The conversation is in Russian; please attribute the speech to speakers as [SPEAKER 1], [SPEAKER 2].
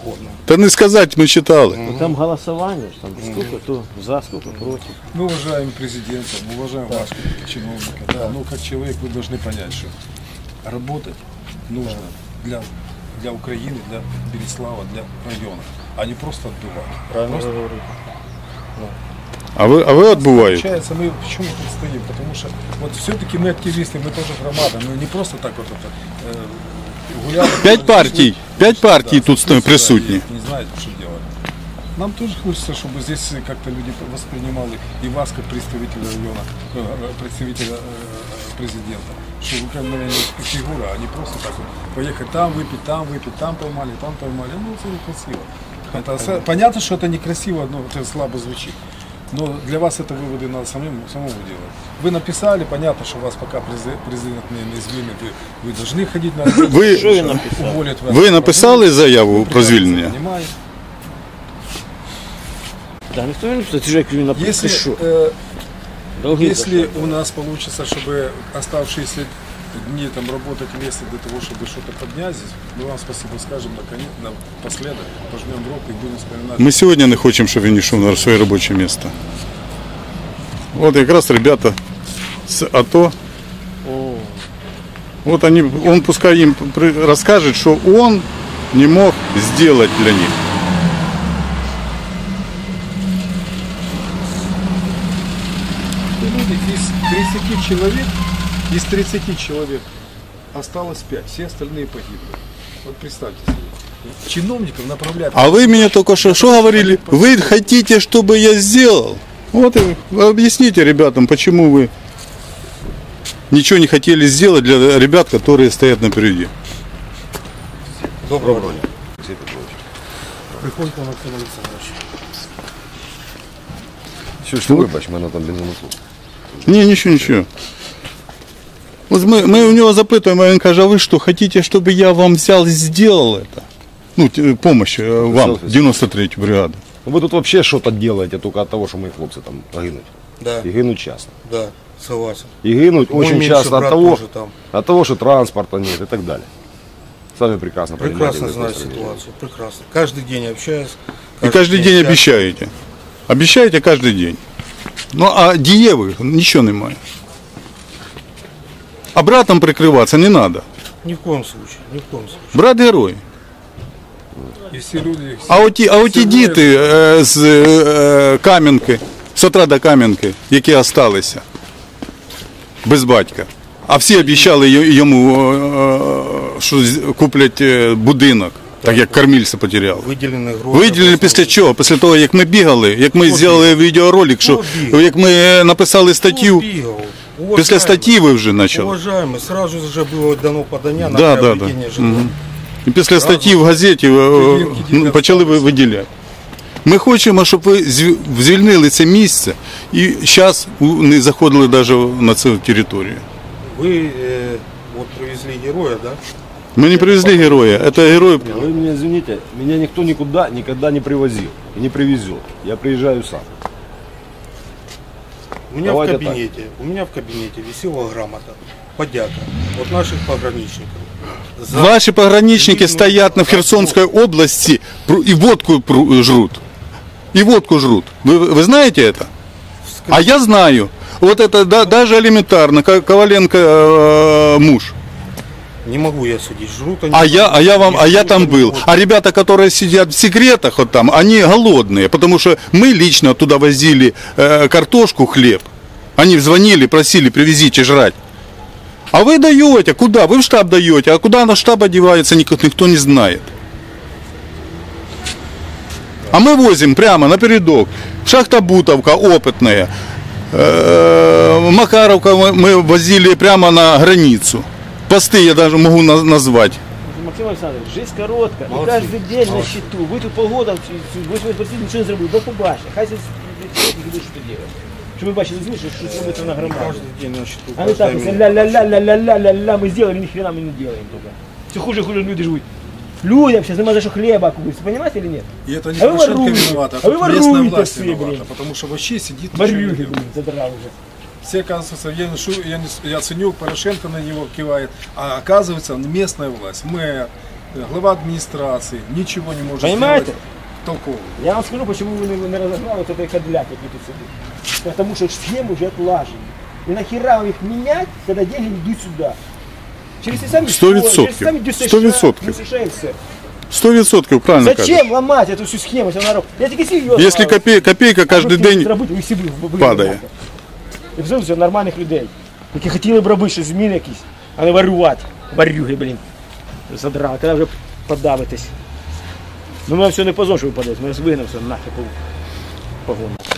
[SPEAKER 1] Да не сказать, мы читали.
[SPEAKER 2] Ну, там голосование, там сколько то за, сколько против.
[SPEAKER 3] Мы уважаем президента, мы уважаем вас как чиновника. Да. Но как человек вы должны понять, что работать нужно для Украины, для Береслава, для района, а не просто отбывать.
[SPEAKER 2] Правильно
[SPEAKER 3] Просто...
[SPEAKER 2] говорите.
[SPEAKER 1] А вы отбываете?
[SPEAKER 3] Получается, мы почему тут стоим? Потому что вот все-таки мы активисты, мы тоже громада, мы не просто так вот это гуляли. Пять партий тут присутствуют. Не знаете, что делать. Нам тоже хочется, чтобы здесь как-то люди воспринимали и вас как представителя района, представителя президента. Что вы как бы фигура, а не просто так вот поехать там выпить, там поймали, там поймали. Ну, это некрасиво. Это, понятно, что это некрасиво, но это слабо звучит. Но для вас это выводы надо самому делать. Вы написали, понятно, что вас пока президент не звільнить, вы должны ходить на работу.
[SPEAKER 1] Ви написали заяву про звільнення?
[SPEAKER 2] Да, никто не написал, ты же как написал.
[SPEAKER 3] Если у нас получится, чтобы оставшиеся дни там работать вместе для того, чтобы что-то поднять здесь, мы вам спасибо скажем напоследок, пожмем руку и будем вспоминать.
[SPEAKER 1] Мы сегодня не хотим, чтобы він йшов на своє робоче место. Вот как раз ребята с АТО. Вот он пускай им расскажет, что он не мог сделать для них.
[SPEAKER 3] Из 30 человек осталось 5, все остальные погибли. Вот представьте себе. Чиновников направляют.
[SPEAKER 1] А вы мне только что говорили? Вы хотите, чтобы я сделал? Вот и объясните ребятам, почему вы ничего не хотели сделать для ребят, которые стоят напереди.
[SPEAKER 3] Доброго дня.
[SPEAKER 4] Приходьте на телевізор.
[SPEAKER 5] Що вибач, в мене там бензонасос.
[SPEAKER 1] Ні, нічого. Вот мы у него запытываем, а он каже, а вы что, хотите, чтобы я вам взял и сделал это? Ну, помощь вам, 93-ю бригаду.
[SPEAKER 5] Вы тут вообще что-то делаете только от того, что мои хлопцы там гинуть.
[SPEAKER 4] Да.
[SPEAKER 5] И гинуть часто.
[SPEAKER 4] Да, согласен.
[SPEAKER 5] И гинуть очень часто
[SPEAKER 4] там.
[SPEAKER 5] от того, что транспорта нет и так далее. Сами прекрасно понимаете.
[SPEAKER 4] Прекрасно знаю ситуацию, прекрасно. Каждый день общаюсь.
[SPEAKER 1] И каждый день обещаете. Обещаете каждый день. Ну, а дієвих нічого немає. А братом прикрываться не надо.
[SPEAKER 4] Ни в коем случае, ни в коем случае.
[SPEAKER 1] Брат герой. А оті діти з Кам'янки, з утра до Кам'янки, які залишилися без батька. А всі обіцяли йому, що куплять будинок, так як кормильця потеряв. Виділили після чого? Після того, як ми бігали, як ми зробили відеоролик, що як ми написали статтю. Після статті ви вже почали.
[SPEAKER 4] Уважаємо, сразу вже було дано подання на приобретення житла.
[SPEAKER 1] І після статті в газеті почали виділяти. Ми хочемо, щоб ви звільнили це місце і зараз не заходили навіть на цю територію.
[SPEAKER 4] Ви вот привезли героя, да?
[SPEAKER 1] Мы не привезли героя, это герой.
[SPEAKER 5] Вы меня извините, меня никто никуда никогда не привозил и не привезет. Я приезжаю сам.
[SPEAKER 4] У меня в кабинете висела грамота, подяка от наших пограничников.
[SPEAKER 1] Ваши пограничники стоят в Херсонской области и водку жрут. И водку жрут. Вы знаете это? А я знаю. Вот это даже элементарно. Коваленко муж.
[SPEAKER 4] Не могу я судить, жрут они.
[SPEAKER 1] Я там был. А ребята, которые сидят в секретах вот там, они голодные, потому что мы лично туда возили картошку, хлеб. Они звонили, просили, привезите жрать. А вы даете, куда? Вы в штаб даете, а куда на штаб одевается, никто не знает. А мы возим прямо напередок. Шахта Бутовка опытная. Макаровка мы возили прямо на границу. Посты я даже могу назвать.
[SPEAKER 2] Максим Александрович, жизнь короткая, и каждый день на счету. Вы тут полгода, ничего не зробили, до побачення. Хай здесь будуть що делать. Щоб ви бачили, що робиться на громаді.
[SPEAKER 4] Каждый день на счету.
[SPEAKER 2] А не так, ля-ля-ля-ля-ля-ля-ля, мы сделали, ни хрена мы не делаем только. Все хуже люди живут. Людям сейчас нема за что хлеба купить, понимаете или нет?
[SPEAKER 3] И это не Порошенко виновата, а тут местная власть виновата, потому что вообще сидит...
[SPEAKER 2] Барюги, задрал уже.
[SPEAKER 3] Все, оказывается, Яценюк, Порошенко на него кивает, а оказывается местная власть, мэр, глава администрации ничего не может
[SPEAKER 2] Понимаете?
[SPEAKER 3] сделать толкового.
[SPEAKER 2] Я вам скажу, почему вы не разогнали вот этой кадляк, який тут сидит. Потому что схемы уже отлажены. И нахера вам их менять, когда деньги идут сюда? Через те самі
[SPEAKER 1] 100%.
[SPEAKER 2] через те самі ДЮСШ,
[SPEAKER 1] 100%.
[SPEAKER 2] ДЮСШ і все.
[SPEAKER 1] 100% правильно кажеш.
[SPEAKER 2] Зачем ломать эту всю схему? Я тільки серйозно.
[SPEAKER 1] Якщо копійка кожен день падає.
[SPEAKER 2] І все це нормальних людей, які хотіли б робити щось зміни якісь, а не варювати. Варюги, блін. Задрали, треба вже подавитись. Ну ми все не позор, що ви подаєте, ми вас вигнав все нахер по погону.